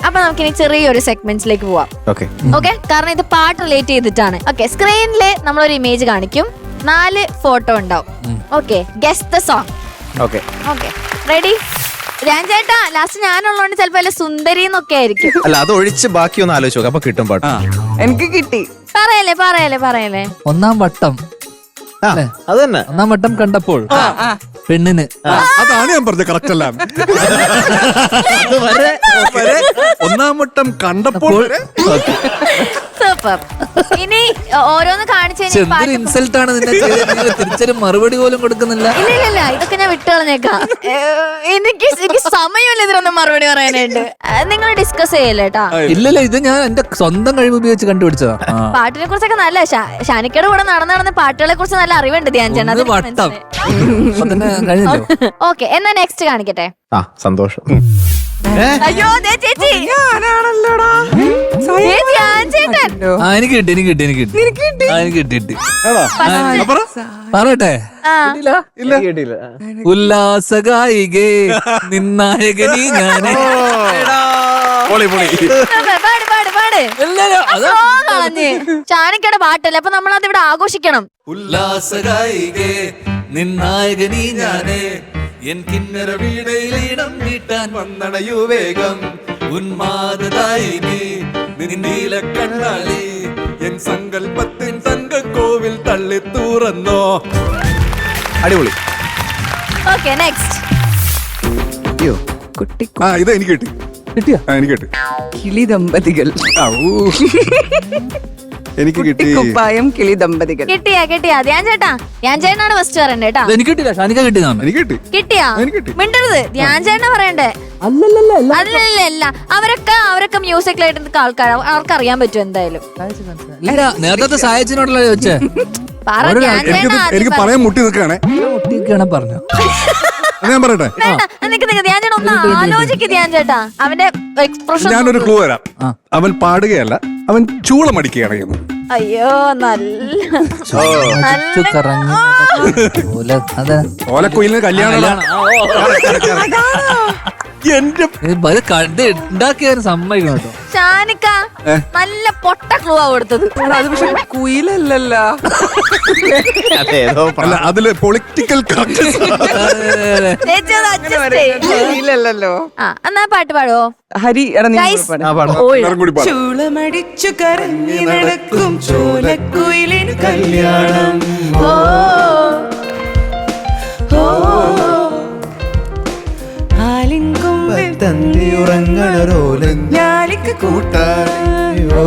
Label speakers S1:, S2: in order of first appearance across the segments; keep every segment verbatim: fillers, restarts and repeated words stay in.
S1: അപ്പൊ നമുക്കിനി ചെറിയൊരു സെഗ്മെന്റ്സിലേക്ക് പോവാം.
S2: ഓക്കെ
S1: ഓക്കെ, കാരണം ഇത് പാട്ട് റിലേറ്റ് ചെയ്തിട്ടാണ്. ഓക്കെ, സ്ക്രീനില് നമ്മളൊരു ഇമേജ് കാണിക്കും, നാല് ഫോട്ടോ ഉണ്ടാവും. Okay, guess the song.
S2: Okay
S1: okay, ready? ഞാൻ ചേട്ടാ ലാസ്റ്റ് ഞാനുള്ളതുകൊണ്ട് ചിലപ്പോ അല്ല സുന്ദരി എന്നൊക്കെ ആയിരിക്കും.
S2: അല്ല, അത് ഒഴിച്ച് ബാക്കി ഒന്ന് ആലോചിച്ച് നോക്കാം, അപ്പൊ കിട്ടും പാട്ട്.
S3: എനിക്ക് കിട്ടി.
S1: പറയല്ലേ പറയല്ലേ പറയല്ലേ
S4: ഒന്നാം വട്ടം.
S2: അത് തന്നെ
S4: ഒന്നാം വട്ടം കണ്ടപ്പോൾ പെണ്ണിന്.
S5: അതാണ് ഞാൻ പറഞ്ഞത്, കറക്റ്റ് അല്ല. ഒന്നാം വട്ടം കണ്ടപ്പോൾ
S1: സൂപ്പർ. ഇനി ഓരോന്ന് കാണിച്ചു
S4: എന്തൊരു ഇൻസൾട്ട് ആണ് നിന്നെ ചെയ്തത്. തിരിച്ചൊരു മറുപടി പോലും കൊടുക്കുന്നില്ല.
S1: ഇല്ല ഇല്ല ഇല്ല ഇതൊക്കെ ഞാൻ വിട്ടുകളഞ്ഞേക്കാം. എനിക്ക് എനിക്ക് സമയമില്ല ഇതിനൊന്നും മറുപടി പറയാനായിട്ട്. നിങ്ങൾ ഡിസ്കസ് ചെയ്യല്ലേ കേട്ടാ.
S4: ഇല്ലല്ല, ഇത് ഞാൻ എന്റെ സ്വന്തം കഴിവ് ഉപയോഗിച്ച് കണ്ടുപിടിച്ചതാ.
S1: പാട്ടിനെ കുറിച്ചൊക്കെ നല്ല ഷാനിക്കയുടെ കൂടെ നടന്ന് നടന്ന് പാട്ടുകളെ കുറിച്ച് നല്ല അറിവുണ്ട് ധ്യാൻ ചേട്ടൻ.
S4: വട്ടം കഴിഞ്ഞല്ലോ.
S1: ഓക്കെ, എന്നാ നെക്സ്റ്റ് കാണിക്കട്ടെ.
S2: ആ സന്തോഷം.
S1: അയ്യോ ദേ ചേച്ചി, ദേ ധ്യാൻ ചേട്ടൻ.
S4: ആ എനിക്ക് കിട്ടി എനിക്ക് കിട്ടി എനിക്ക് കിട്ടി ആ, എനിക്ക് കിട്ടി കിട്ടി പറയട്ടെ.
S1: ആ
S4: ഉല്ലാസഗായികേ നിന്നായകനീ ഞാനേ.
S5: പൊളി പൊളി.
S1: പാട് പാട് പാട്. Song കളഞ്ഞ്. ഷാനിക്കയുടെ പാട്ടല്ലേ, അപ്പൊ നമ്മളത് ഇവിടെ ആഘോഷിക്കണം.
S4: ഉല്ലാസഗായികേ നിന്നായകനീ ഞാനേ എൻ കിന്നര വീടയിലിടം നീട്ടാൻ വന്നണയു വേഗം ഉന്മാദായിനി നീല കണ്ണാളി എൻ സങ്കൽപ്പത്തിൻ തങ്കക്കോവിൽ തള്ളി തുറന്നോ.
S2: അടിപൊളി.
S1: Okay, next.
S2: അയ്യോ
S3: കുട്ടി
S5: ആ ഇത് എനിക്ക് കിട്ടി.
S4: കിട്ടിയ
S5: ആ എനിക്ക് കിട്ടി.
S3: കിളി ദമ്പതികൾ.
S5: ആ, ഊ. എനിക്ക് കിട്ടി.
S3: കുപ്പായം കിളി ദമ്പതികൾ.
S1: കിട്ടിയാ കിട്ടിയാ ധ്യാൻ ചേട്ടാ, ധ്യാൻ ചേട്ടനാണ് ഫസ്റ്റ് പറയണ്ടേ കേട്ടാ.
S4: എനിക്ക് കിട്ടില്ല, ഷാനിക കിട്ടിയതാണ്.
S5: എനിക്ക് കിട്ടി.
S1: കിട്ടിയാ
S5: എനിക്ക് കിട്ടി.
S1: മിണ്ടരുത്, ധ്യാൻ ചേട്ടനാ പറയണ്ടേ. അല്ലല്ല, അവരൊക്കെ അവരൊക്കെ മ്യൂസിക്കലായിട്ട് ആൾക്കാർ, അവർക്ക് അറിയാൻ പറ്റും എന്തായാലും.
S4: ഇല്ല, നേരത്തെ സായച്ചിനോടല്ല ചോദിച്ചേ.
S1: പറ ധ്യാൻ
S5: എനിക്ക്
S1: ചേട്ടൻ
S5: എനിക്ക്
S1: ആദ്യം
S5: പറയാൻ മുട്ടി നിൽക്കുകയാണെ.
S4: ഒട്ടിയൊക്കെയാണ് പറഞ്ഞു.
S5: ഞാൻ പറയട്ടെ,
S1: വേണ്ട, നിക്ക് നിക്ക് ധ്യാൻ ചേട്ടൻ ഒന്ന് ആലോചിക്ക് ധ്യാൻ ചേട്ടാ. അവന്റെ എക്സ്പ്രഷൻ
S5: ഞാനൊരു ക്ലൂ തരാം. അവൻ പാടുകയല്ല, അവൻ ചൂളമടിക്കുകയാണ് ചെയ്യുന്നത്.
S1: അയ്യോ നല്ല
S4: അടിച്ചു കറങ്ങി പോലെ. അതെ,
S5: ഓലക്കുയിലിന് കല്യാണം. എന്റെ
S4: ഇത് കണ്ട് ഉണ്ടാക്കിയ സമ്മതിക്കണം കേട്ടോ.
S1: ഷാനിക്ക നല്ല പൊട്ട ക്ലൂ ആ കൊടുത്തത്.
S3: അത് പക്ഷെ കുയിലല്ലല്ലോ.
S2: അതെ, ഏതോ
S5: അല്ല, അതില് പൊളിറ്റിക്കൽ കറക്റ്റ്നസ്.
S1: ചേച്ചി അത് adjust ചെയ്യ്.
S3: കുയിലല്ലല്ലോ.
S1: ആ എന്നാ പാട്ട് പാടുവോ
S3: ഹരി എടാ നീ
S1: Guys.
S3: പാട്.
S2: ആ പാടാം.
S5: എല്ലാവരും കൂടി പാടാം.
S3: ചൂളമടിച്ചു കറങ്ങി നടക്കും ചോലക്കുയിലിന് കല്യാണം.
S1: ഓ ഓ
S3: ആലിങ്കൊമ്പിൽ ഞാലിക്ക് കൂട്ടായോ.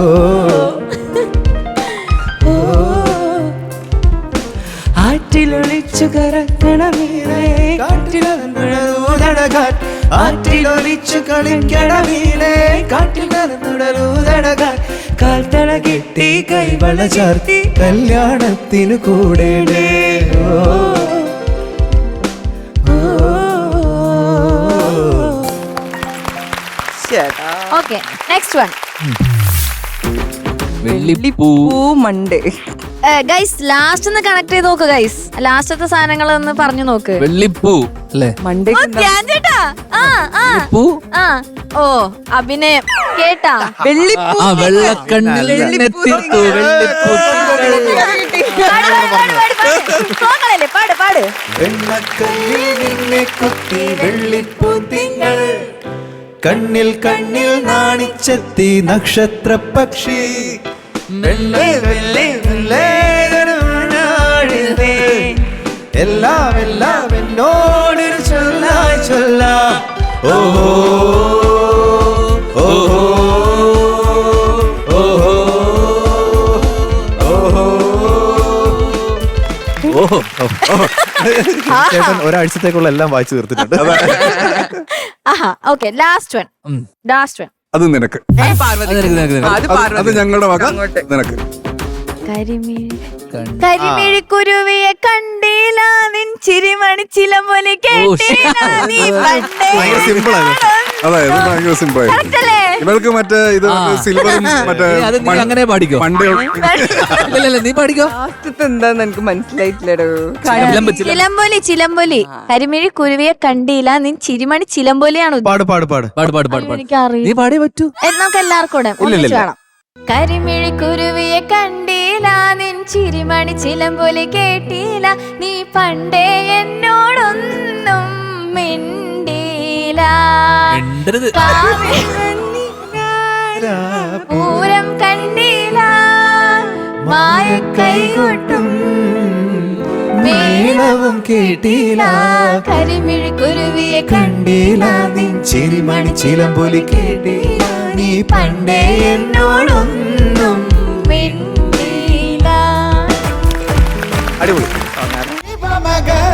S3: ആറ്റിലൊളിച്ചു കറക്കണമീനേ കാറ്റിലൂതടകാൻ. ആറ്റിലൊളിച്ചു കളിക്കണമീനേ കാറ്റിൽ കറന്നുടലൂതടകാൻ. കാൽത്തള കെട്ടി കൈവള ചാർത്തി കല്യാണത്തിനു കൂടെ.
S1: Okay, next one.
S4: വെള്ളിപ്പൂ
S3: മണ്ടേ.
S1: ഗൈസ് ലാസ്റ്റ് ഒന്ന് കണക്ട് ചെയ്ത് നോക്ക് ഗൈസ്. ലാസ്റ്റത്തെ സാധനങ്ങൾ ഒന്ന് പറഞ്ഞു നോക്ക്.
S4: വെള്ളിപ്പൂ അല്ലേ?
S3: മണ്ടേ
S1: ഓ, ധ്യാൻ ചേട്ടാ. ആ ആ
S4: പൂ
S1: ആ ഓ അഭിനയം കേട്ടാ.
S3: വെള്ളിപ്പൂ.
S4: ആ വെള്ളക്കണ്ണിൽ നെത്തിത്തു വെള്ളിപ്പൂ.
S1: പാട്, പാട്, പാട്, പാട്, പാട്. Song കളല്ലേ, പാട് പാട്.
S6: കണ്ണിൽ കണ്ണിൽ നാണിച്ചെത്തി നക്ഷത്ര പക്ഷി. എല്ലാം എല്ലാം എന്നോടൊരു ചൊല്ലായി ചൊല്ല. ഓഹോ ഓഹോ ഓഹോ ഓഹോ.
S2: ചേട്ടൻ ഒരാഴ്ചത്തേക്കുള്ള എല്ലാം വായിച്ചു തീർത്തിട്ടുണ്ട്.
S1: ആഹാ okay, last one. Last one.
S5: അത് നിനക്ക്,
S3: അത് പാർവതി.
S4: അത് നിനക്ക്, നിനക്ക്, നിനക്ക്.
S3: അത്
S5: അത്
S3: പാർവതി.
S5: ഞങ്ങളുടെ വക
S3: അങ്ങോട്ട്.
S5: നിനക്ക്.
S1: കരിമിഴി കരിമിഴി കുരുവിയെ കണ്ടില്ല നിൻ ചിരിമണി ചില പോലെ കേട്ടില്ല നീ പണ്ടേ
S2: ഭയങ്കര സിമ്പിൾ ആണ്
S5: അതെ ഇത് ഭയങ്കര സിമ്പിൾ ആയി
S1: Correct അല്ലേ?
S5: ഇവർക്ക് മറ്റേ ഇത് സിൽവറും മറ്റേ
S4: നീ അത് നീ
S5: മൺ-
S4: അങ്ങനെ പാടിക്കോ
S5: പണ്ട്
S4: ഇല്ലല്ല നീ പാടിക്കോ
S3: ലാസ്റ്റത്തെ എന്താന്ന് എനിക്ക് മനസ്സിലായിട്ടില്ലടോ
S4: ചിലമ്പ് ചിലമ്പ്.
S1: ചിലമ്പൊലി ചിലമ്പൊലി കരിമിഴി കുരുവിയെ കണ്ടില്ല നിൻ ചിരിമണി ചിലമ്പൊലിയാണ്
S2: പാട് പാട് പാട്
S4: പാട് പാട് പാട് പാട്
S1: എനിക്കറിയില്ല
S4: നീ പാടിയേ പറ്റൂ
S1: നമുക്ക് എല്ലാവർക്കും കൂടെ ഒന്നിച്ച് വേണം കരിമിഴി കുരുവിയെ കണ്ടില്ല നിൻ ചിരിമണി ചിലമ്പൊലി കേട്ടില്ല നീ പണ്ടേ എന്നോടൊന്നും മിണ്ടില്ല
S4: മിണ്ടരുത്.
S1: കാവിൽ വന്നില്ല, പൂരം കണ്ടില്ല മായക്കൈ കൊട്ടും
S6: മേളവും കേട്ടില്ല
S1: കരിമിഴി കുരുവിയെ
S6: കണ്ടില്ല നിൻ ചിരിമണി ചിലമ്പൊലി കേട്ടില്ല നീ പണ്ടേ എന്നോടൊന്നും
S1: മിണ്ടില്ല.
S2: അടിപൊളി
S6: മക